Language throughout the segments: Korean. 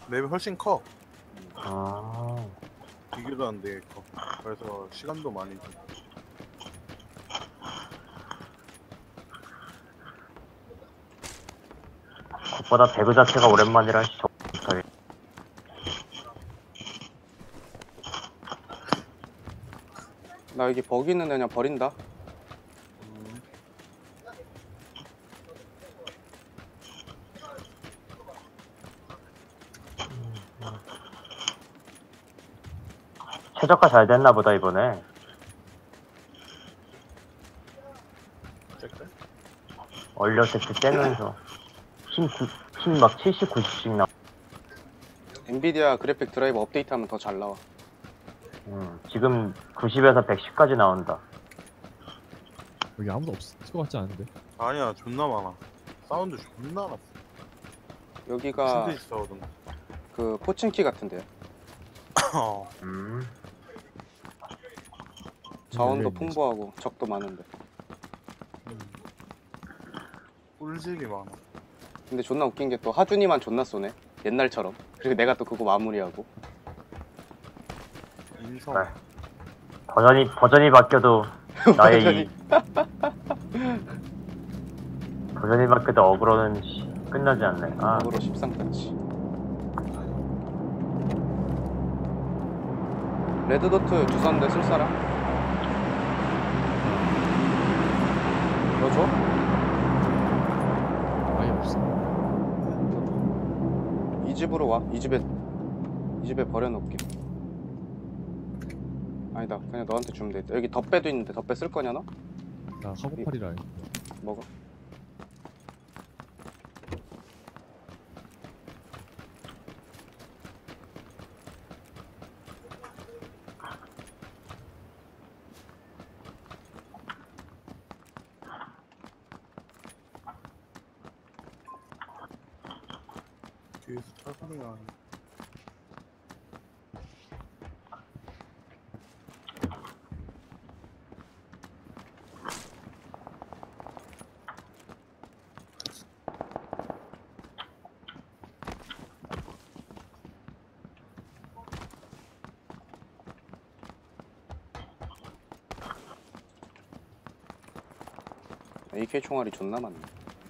맵이 훨씬 커. 아, 비교도 안 돼, 커. 그래서 시간도 많이 줘. 그것보다 배그 자체가 오랜만이라 적당히. 나 여기 버기 있는 애 그냥 버린다. 최저가 잘 됐나 보다 이번에. 짤짤? 얼려 세트 째면서 힘막 70, 90씩 나. 엔비디아 그래픽 드라이버 업데이트하면 더 잘 나와. 지금 90에서 110까지 나온다. 여기 아무도 없을 것 같지 않은데. 아니야, 존나 많아. 사운드 존나 났어. 여기가 신데지 싸우던 그 포칭키 같은데요. 거. 자원도 열려있네, 풍부하고 적도 많은데. 꿀질이 많아. 근데 존나 웃긴 게 또 하준이만 존나 쏘네. 옛날처럼. 그리고 내가 또 그거 마무리하고. 인성. 네. 버전이 바뀌어도 나의 버전이 바뀌어도 어그로는 끝나지 않네. 아, 으로 13까지. 레드도트 주선데 쓸 사람? 너 줘? 아예 없어. 이 집으로 와. 이 집에 버려놓을게. 아니다. 그냥 너한테 주면 되겠다. 여기 덧배도 있는데 덧배 쓸 거냐 너? 나 카고팔이라. 먹어. 뒤에서 차 소리가 나네. AK 총알이 존나 많네.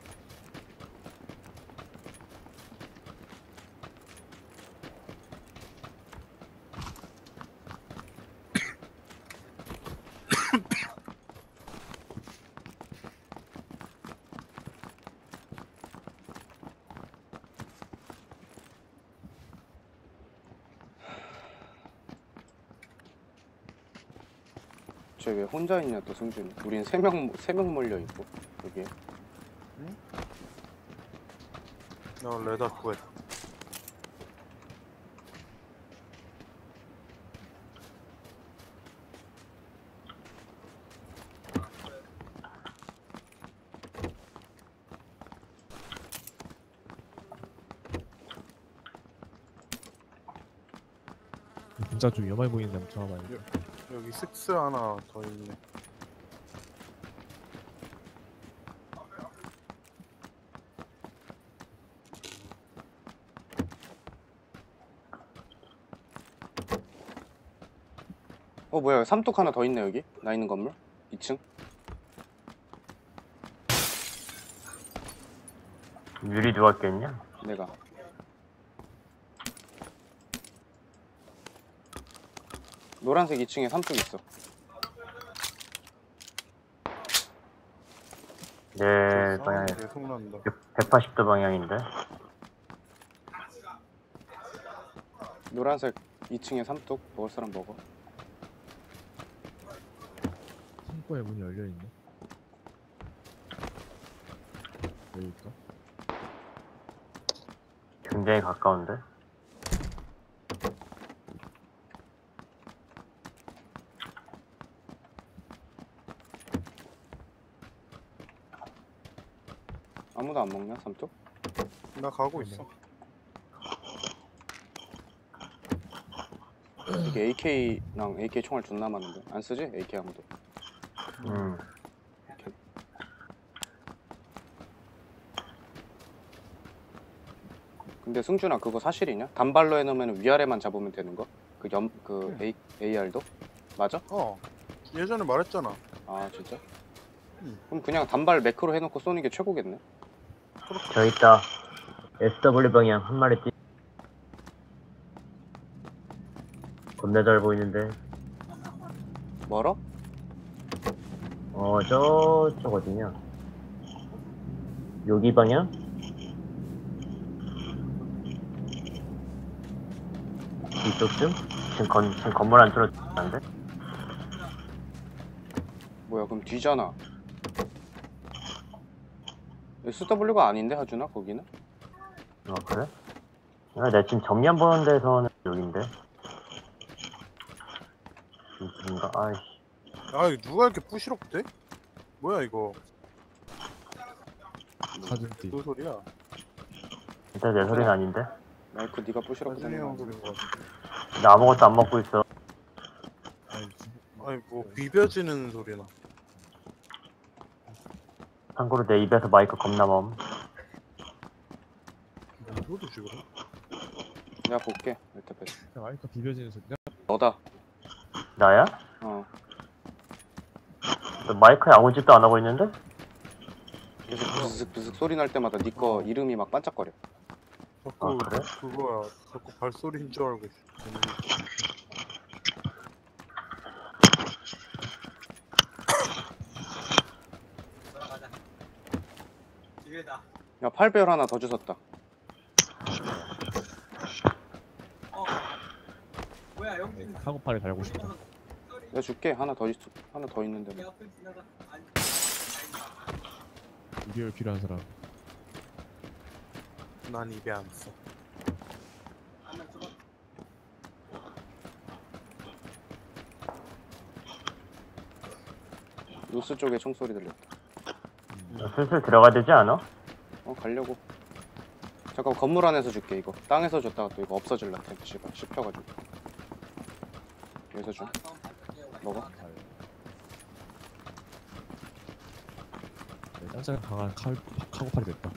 쟤 왜 혼자 있냐 또 승준이. 우린 세 명 몰려 있고 여기에. 나 레다 구했다. 진짜 좀 위험해 보이는데 한번 잡아봐요. 여기 식스 하나 더 있네. 뭐야 삼뚝 하나 더 있네 여기. 나 있는 건물 2층. 유리 누가 깼냐? 내가. 노란색 2층에 삼뚝 있어. 내 방향에 계속 난다. 180도 방향인데. 노란색 2층에 삼뚝. 먹을 사람 먹어. 창고에 문이 열려 있네. 여기일까? 굉장히 가까운데. 아무도 안 먹냐 삼뚝? 나 가고 있어. 이게 AK랑 AK 총알 존나 많은데 안 쓰지? AK 아무도. 근데 승준아 그거 사실이냐? 단발로 해놓으면 위아래만 잡으면 되는 거? AR도? 맞아? 예전에 말했잖아. 아 진짜? 응. 그럼 그냥 단발 매크로 해놓고 쏘는 게 최고겠네? 저 있다. SW 방향 한 마리 뛰. 겁나 잘 보이는데. 멀어? 저쪽 어디냐? 여기 방향? 이쪽쯤? 지금 건물 안쪽으로 들어가는데? 뭐야 그럼 뒤잖아. SW가 아닌데 하준아 거기는? 그래? 내가 지금 정면 보는 데서는 여긴데. 이쪽인가? 아이씨. 아, 이거 누가 이렇게 부시럭대? 뭐야 이거? 사준띠. 무슨 소리야? 일단 내 소리는 아닌데? 마이크 네가 부시라고 나중에 되는 형 거 소리인 것 같은데. 나 아무것도 안 먹고 있어. 아니 뭐 비벼지는 소리나. 참고로 내 입에서 마이크 겁나 멈. 이거도 지금. 내가 볼게 일단 배. 마이크 비벼지는 소리야? 너다. 나야? 어 너 마이크에 아무 짓도 안 하고 있는데? 계속 브슥브슥 소리 날 때마다 네 거 이름이 막 반짝거려. 자꾸 그래? 그거야. 자꾸 발소리인 줄 알고. 야 8배열 하나 더 주웠다. 카고팔에 달고 싶다. 내가 줄게. 하나 더 있는데 뭐. 이별 필요한 사람. 난 입에 안 써. 노스 쪽에 총소리 들렸다. 슬슬 들어가야 되지 않아? 가려고. 잠깐 건물 안에서 줄게 이거. 땅에서 줬다가 또 이거 없어질라 텐 씨발 씹혀가지고. 여기서 줘. 먹어. 짱짱 강한 카고팔이 됐다.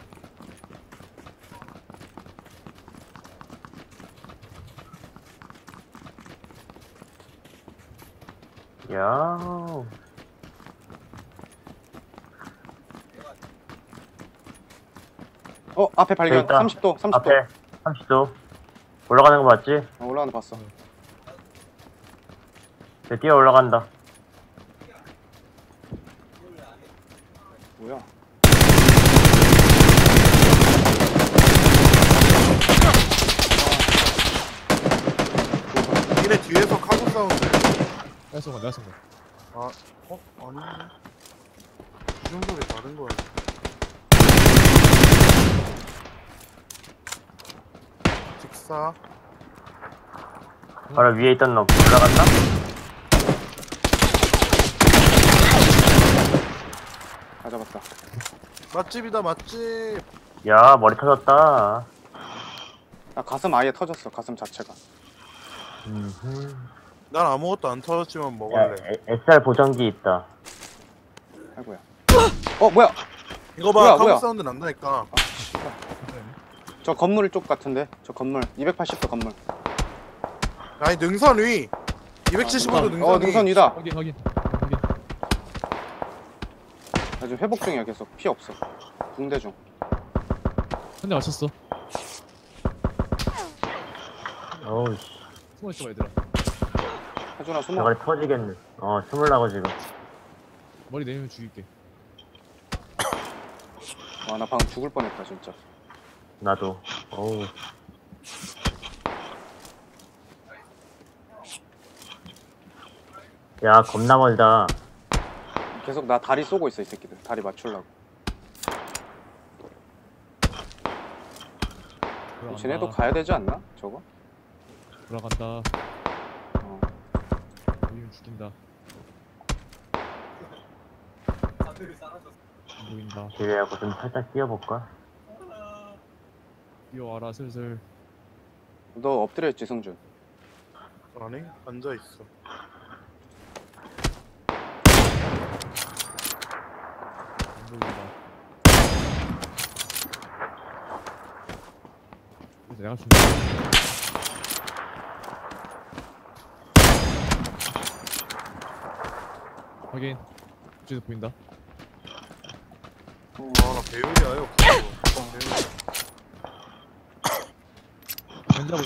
야. 앞에 발견. 있다. 30도 30도. 앞에 30도. 올라가는 거 맞지? 올라가는 거 봤어. 네, 뛰어 올라간다. 뭐야? 니네 뒤에서 카고 사운드. 내가 쏜 거야, 내가 쏜 거야. 아닌데? 이런 소리 다른 거야. 직사. 바로 위에 있던 놈 올라갔나? 다 잡았다. 맛집이다 맛집. 야, 머리 터졌다. 나 가슴 아예 터졌어. 가슴 자체가. 난 아무것도 안 터졌지만 야, 먹을래. SR 보정기 있다. 아이고야. 뭐야? 이거 봐, 뭐야, 카고 뭐야? 사운드 난다니까. 저 건물 쪽 같은데? 저 건물 280도 건물. 아니 능선 위. 275도 능선 위. 능선 위다. 확인. 나 지금 회복 중이야 계속. 피 없어. 붕대 중. 한 대 맞췄어. 어우, 씨. 숨어있어 봐, 얘들아. 하준아 숨어. 저걸 터지겠네. 숨으려고 지금. 머리 내리면 죽일게. 와 나 방금 죽을 뻔했다 진짜. 나도. 어우. 야, 겁나 멀다. 계속 나 다리 쏘고 있어 이 새끼들. 다리 맞추려고. 돌아간다. 쟤네도 가야 되지 않나? 저거? 돌아간다. 어. 보이면 죽인다. 안 보인다. 기대하고 좀 살짝 뛰어볼까? 뛰어와라, 슬슬. 너 엎드려 있지 승준. 아니 앉아 있어. 안 보인다. 내가 준. 확인. 뒤에서 보인다. 나 배율이 아예 없어. 견자고.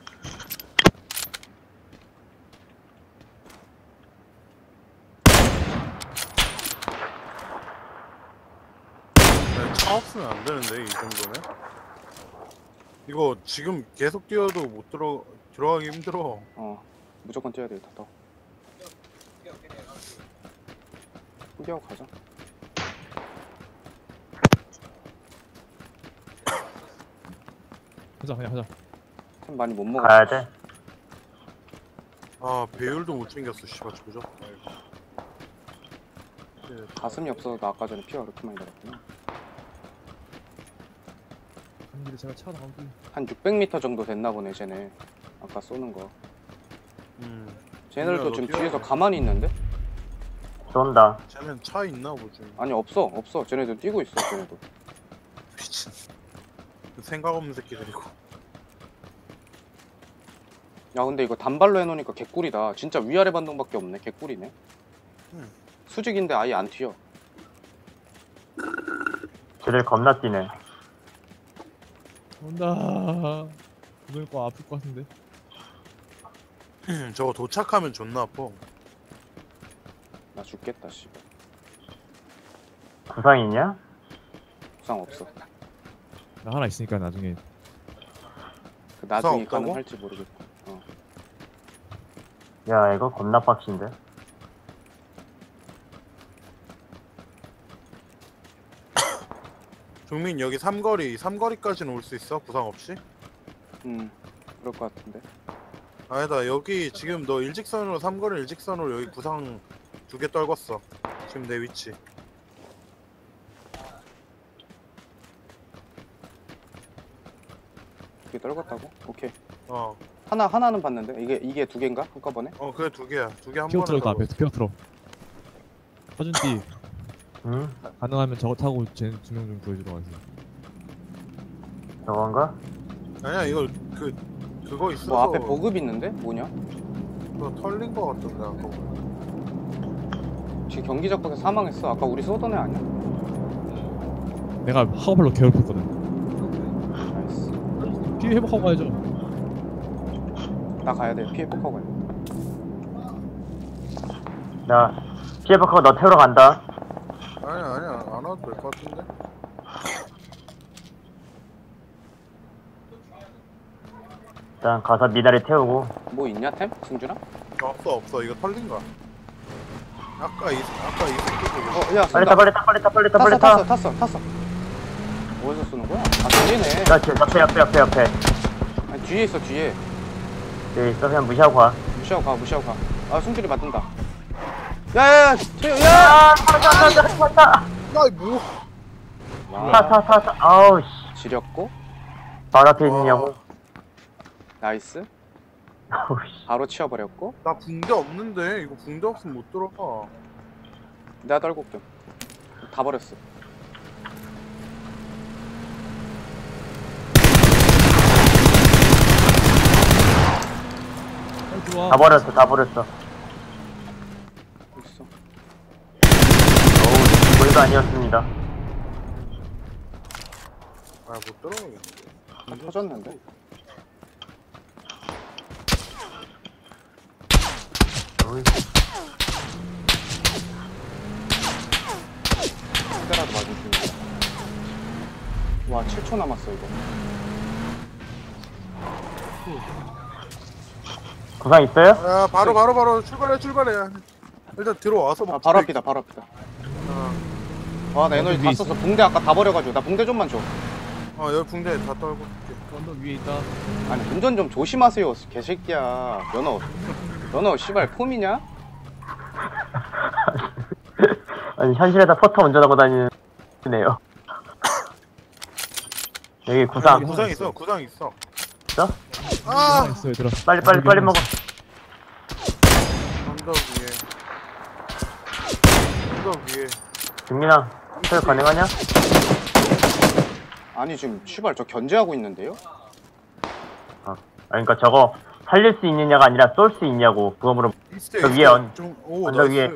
차 없으면 안 되는데 이 정도면? 이거 지금 계속 뛰어도 못 들어가기 힘들어. 무조건 뛰어야 돼. 더. 포기하고 가자. 하자 그냥 하자. 템 많이 못 먹어. 가야 돼. 아 배율도 못 챙겼어. 씨발 조졌다 이거. 가슴이 없어서 나 아까 전에 피가 그렇게 많이 나갔구나. 한 길에 제가 차 나오고. 한 600m 정도 됐나 보네 쟤네. 아까 쏘는 거. 쟤네들도 너 지금 뛰어야 뒤에서 돼. 가만히 있는데? 쏜다. 쟤는 차 있나 보지. 아니 없어. 쟤네들 뛰고 있어 쟤네도. 미친. 생각 없는 새끼들이고. 야 근데 이거 단발로 해놓으니까 개꿀이다. 진짜 위아래 반동밖에 없네. 개꿀이네. 수직인데 아예 안 튀어. 쟤들 겁나 뛰네. 온다. 오늘 거 아플 것 같은데. 저거 도착하면 존나 아파. 나 죽겠다 씨발. 구상 있냐? 부상 없어. 나 하나 있으니까 나중에. 그 나중에 없다고? 가능할지 모르겠고. 야, 이거 겁나 빡신데. 종민 여기 삼거리까지는 올 수 있어? 구상 없이? 그럴 것 같은데. 아니다 여기 지금 너 일직선으로 삼거리 일직선으로 여기 구상 2개 떨궜어. 지금 내 위치. 두개 떨궜다고? 오케이. 하나는 봤는데 이게 두 개인가 한꺼번에? 그래 2개야. 2개 한 피어 번에 트럭 앞에 떨궜어. 피어 트럭. 허준띠 응? 가능하면 저거 타고 쟤 2명 좀 구해주러 가세요. 저건가? 아니야 이거 그거 있어서 뭐 앞에 보급 있는데? 뭐냐? 그거 털린 거 같던데 아까. 지금 경기적박에 사망했어. 아까 우리 쏘던 애 아니야? 내가 하우팔로 괴롭혔거든. 나이스. 피해 회복하고 가야죠. 나 가야 돼. 피해 폭하고 가야 돼. 나 피해박하고 너 태우러 간다. 아니야 안 와도 될 것 같은데. 일단 가서 미나리 태우고. 뭐 있냐 템? 승준아? 없어 이거 털린 거야. 아까 이 새끼들. 야 빨리 타, 빨리 타, 빨리 타, 빨리 타, 빨리 타. 탔어. 어디서 쏘는 거야? 아 뒤에네. 나 지금 옆에. 아니 뒤에 있어 뒤에. 여기 있어, 그냥 무시하고 가. 무시하고 가. 아 승준이 맞는다. 야야야 최영 야! 타. 야 뭐? 와, 아우, 씨. 지렸고 바로 앞에 있느냐고. 나이스. 아우, 씨. 바로 치워버렸고 나 붕대 없는데 이거 붕대 없으면 못 들어가. 내가 떨고 올게. 다 버렸어. 빨리 들어와. 다 버렸어. 있어. 어우, 거의가 아니었습니다. 못 들어가겠네. 다 터졌는데. 어이, 그때라도 맞으시면. 와 7초 남았어 이거. 구상 있어요? 야 바로 출발해. 일단 들어와서 아 먹자. 바로 앞이다. 와 나 에너지 다 위에 썼어. 붕대 아까 다 버려가지고 나 붕대 좀만 줘. 여기 붕대 다 떨고. 언덕 위에 있다. 아니 운전 좀 조심하세요 개새끼야. 연어 씨발 폼이냐? 아니, 현실에다 포터 운전하고 다니네요. 여기 구상. 구상 있어. 있어? 하나 있어 얘들아. 빨리 먹어. 언덕 위에. 김민아, 설 가능하냐? 아니 지금 씨발 저 견제하고 있는데요? 그러니까 저거 살릴 수 있느냐가 아니라 쏠 수 있냐고 그거 물어. 있어, 저 있어. 위에 언- 오, 언덕 나이스.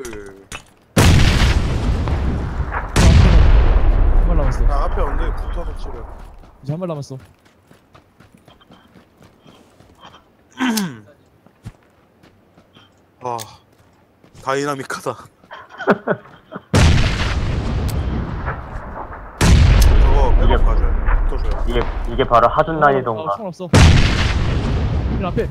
한 발 남았어. 나 앞에 언덕에 붙어서 치려. 이제 한 발 남았어. 아, 다이나믹하다. 저거 이게- 백업 가져야 돼. 붙어줘야 돼. 이게 바로 하준 난이도인가. 총 없어. 일 앞에.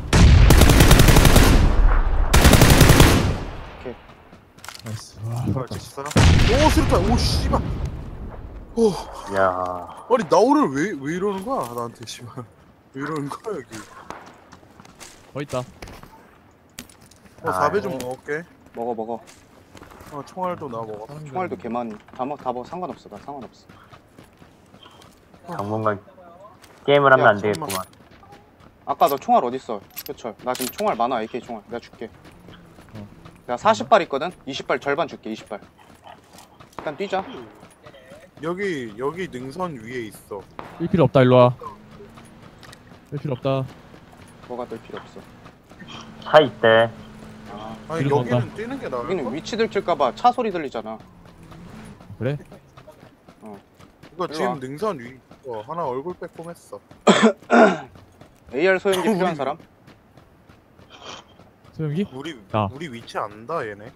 오케이. 나이스. 와, 아, 맞다. 직사. 오, 수류탄. 오, 씨발. 오, 이야. 아니 나 오늘 왜 이러는 거야 나한테 씨발. 왜 이러는 거야 여기. 더 있다. 4배 좀 먹을게. 먹어. 총알도 나 먹어. 총알도 개만 다 먹어. 상관없어. 나 상관없어. 당분간 게임을 하면 야, 안 되겠구만. 아까 너 총알 어딨어? 효철. 나 지금 총알 많아. AK 총알. 내가 줄게. 어. 내가 40발 있거든? 20발 절반 줄게. 20발. 일단 뛰자. 여기 능선 위에 있어. 일 필요 없다. 일로 와. 일 필요 없다. 뭐가 될 필요 없어. 차 있대. 아, 아니 뒤로 여기는 간다. 뛰는 게 나을 여기는 거. 위치 들킬까봐 차 소리 들리잖아. 그래? 이거 일로 지금 와. 능선 위. 하나 얼굴 빼꼼했어. AR 소형기 필요한 사람? 소영기? 우리 위치 안다 얘네.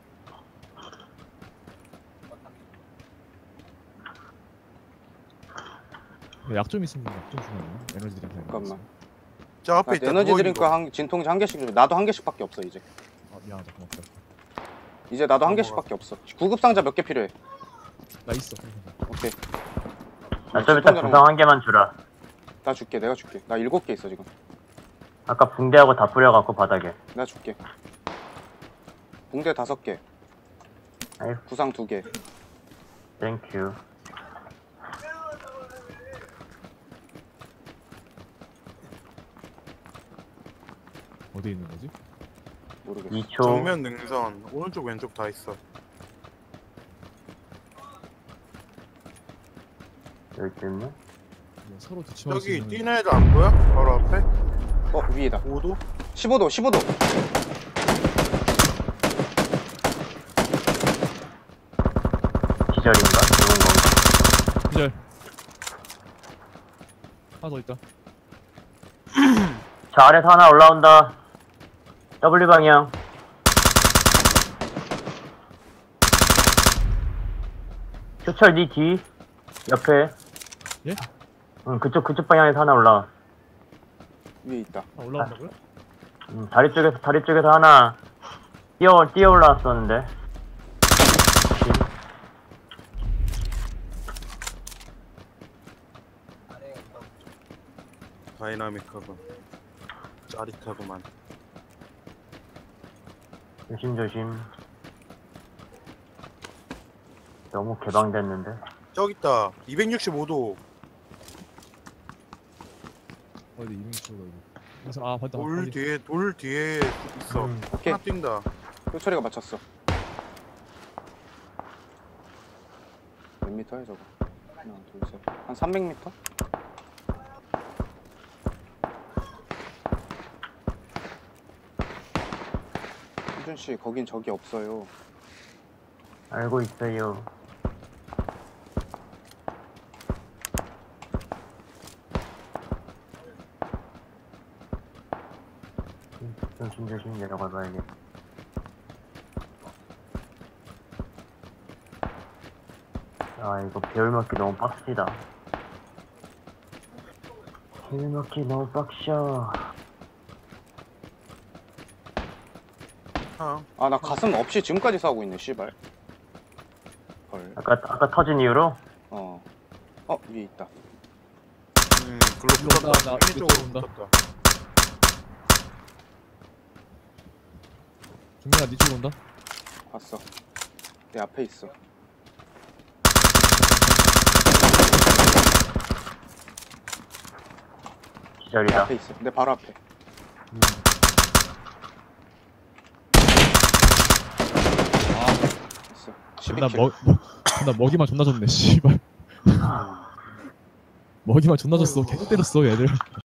약 좀 있으면 약 좀 주면 에너지 드링크. 잠깐만. 저 앞에 나 있다. 에너지 누워있는 드링크 거. 진통제 한 개씩 줘. 나도 한 개씩밖에 없어 이제. 아 미안하다. 고맙다. 이제 나도 한 개씩밖에 없어. 구급 상자 몇 개 필요해? 나 있어. 오케이. 나 좀 이따 구상 한 개만 주라. 나 줄게. 내가 줄게. 나 7개 있어 지금. 아까 붕대하고 다 뿌려갖고 바닥에. 내가 줄게. 붕대 5개. 아이. 구상 2개. 땡큐. 어디 있는 거지? 모르겠어. 2초. 정면 능선 오른쪽 왼쪽 다 있어. 여기 있네. 뭐 서로 뒤치마. 저기 뛰는 애들 안 보여? 바로 앞에? 위에다. 5도? 15도. 기절인가? 좋은 건가? 기절. 하나 더 있다. 자, 아래서 하나 올라온다. W 방향. 효철 니 뒤. 옆에. 예? 응, 그쪽 방향에서 하나 올라와. 위에 있다. 아 올라온다고요? 다리 쪽에서 하나 뛰어 올라왔었는데. 다이나믹하고 짜릿하구만. 조심. 너무 개방됐는데. 저기 있다. 265도. 어디 이민치 여기. 그래서 아 봤다. 돌 뒤에 있어. 오케이. 하나 뛴다. 효철이가 맞췄어. 몇 미터야 저거? 하나, 둘, 셋. 한 300m? 희준씨, 거긴 적이 없어요. 알고 있어요. 조심 내려가 봐야겠다. 아, 이거 배울 먹기 너무 빡시다. 배울 먹기 너무 빡셔. 아, 나 가슴 없이 지금까지 싸우고 있네, 씨발. 헐. 아까 터진 이후로? 위에 있다. 글로 일로 붙었다. 온다, 나 이쪽으로 이쪽으로 온다. 붙었다. 중민아 니 쪽으로 온다. 봤어. 내 앞에 있어. 내 기절이다. 앞에 있어. 내 바로 앞에. 있어. 나 12킬. 나 먹이만 존나 줬네. 씨발. 먹이만 존나 줬어. 계속 때렸어 얘들.